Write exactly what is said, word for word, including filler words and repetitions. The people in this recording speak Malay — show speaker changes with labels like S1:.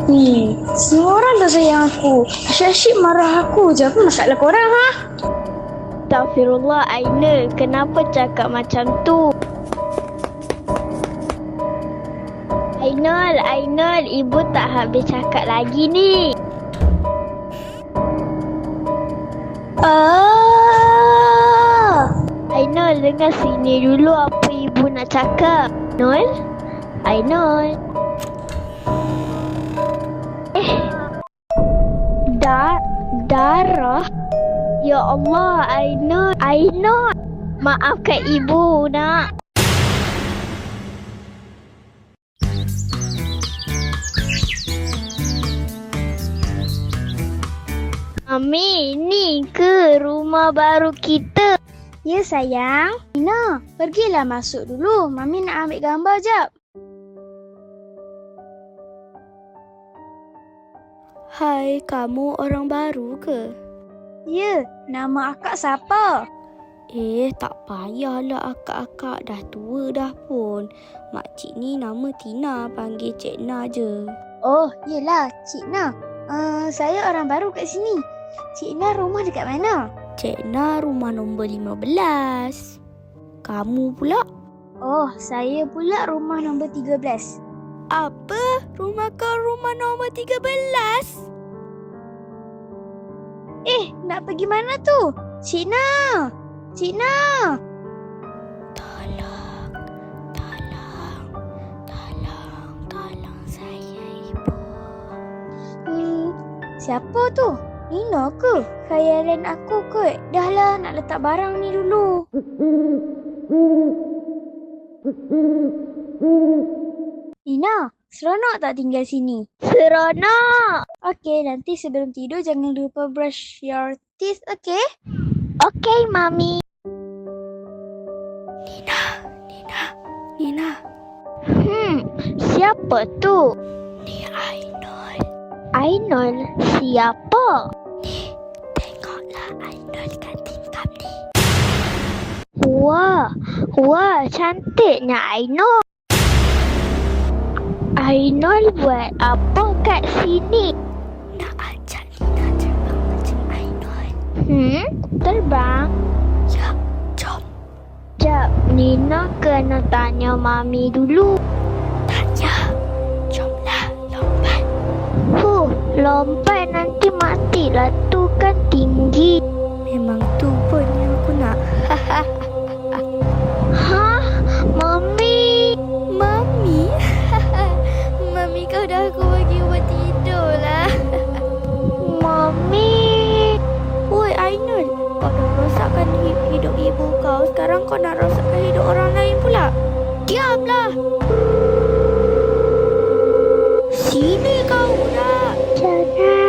S1: Ni, semua orang dah sayang aku. Asyik-asyik marah aku je. Apa masalah korang, ha?
S2: Astaghfirullah, Ainul. Kenapa cakap macam tu? Ainul, Ainul. Ibu tak habis cakap lagi ni.
S1: Ah!
S2: Ainul, dengar sini dulu apa ibu nak cakap. Ainul? Ainul? Eh. Da darah? Ya Allah, Ainul. Ainul. Maafkan ibu, nak. Mami, ni ke rumah baru kita?
S1: Ya, sayang. Ina, pergilah masuk dulu. Mami nak ambil gambar jap.
S3: Hai, kamu orang baru ke?
S1: Ya, nama akak siapa?
S3: Eh, tak payahlah akak-akak, dah tua dah pun. Makcik ni nama Tina, panggil Cik Na je.
S1: Oh, yelah, Cik Na. Uh, saya orang baru kat sini. Cik Na rumah dekat mana?
S3: Cik Na rumah nombor lima belas. Kamu pula?
S1: Oh, saya pula rumah nombor tiga belas.
S3: Apa? Rumah kau rumah nombor tiga belas?
S1: Eh, nak pergi mana tu? Cik Na! Cik Na!
S3: Tolong, tolong, tolong, tolong saya, Ibu.
S1: Hmm, siapa tu? Nina ke? Khayalan aku kot. Dah lah, nak letak barang ni dulu. Nina, seronok tak tinggal sini?
S2: Seronok.
S1: Okey, nanti sebelum tidur jangan lupa brush your teeth, okey?
S2: Okey, Mami.
S3: Nina, Nina, Nina.
S2: Hmm, siapa tu?
S3: Ni Ainul.
S2: Ainul? Siapa?
S3: Ni, tengoklah Ainul kat tingkap ni.
S2: Wah, wah, cantiknya Ainul. Ainul buat apa kat sini?
S3: Nak ajak Nina terbang macam Ainul.
S2: Hmm, terbang?
S3: Ya, jom.
S2: Jap, Nina kena tanya Mami dulu.
S3: Tanya. Jomlah, lompat.
S2: Huh, lompat nanti matilah, tu kan tinggi.
S3: Memang tu pun yang aku nak.
S2: Hah? Mami?
S3: Mami? Mami, kau dah aku bagi buat tidur lah.
S2: Mami?
S3: Woi Ainul, kau dah rosakkan hidup ibu kau. Sekarang kau nak rosakkan hidup orang lain pula. Diamlah. Sini kau budak.
S2: Jangan.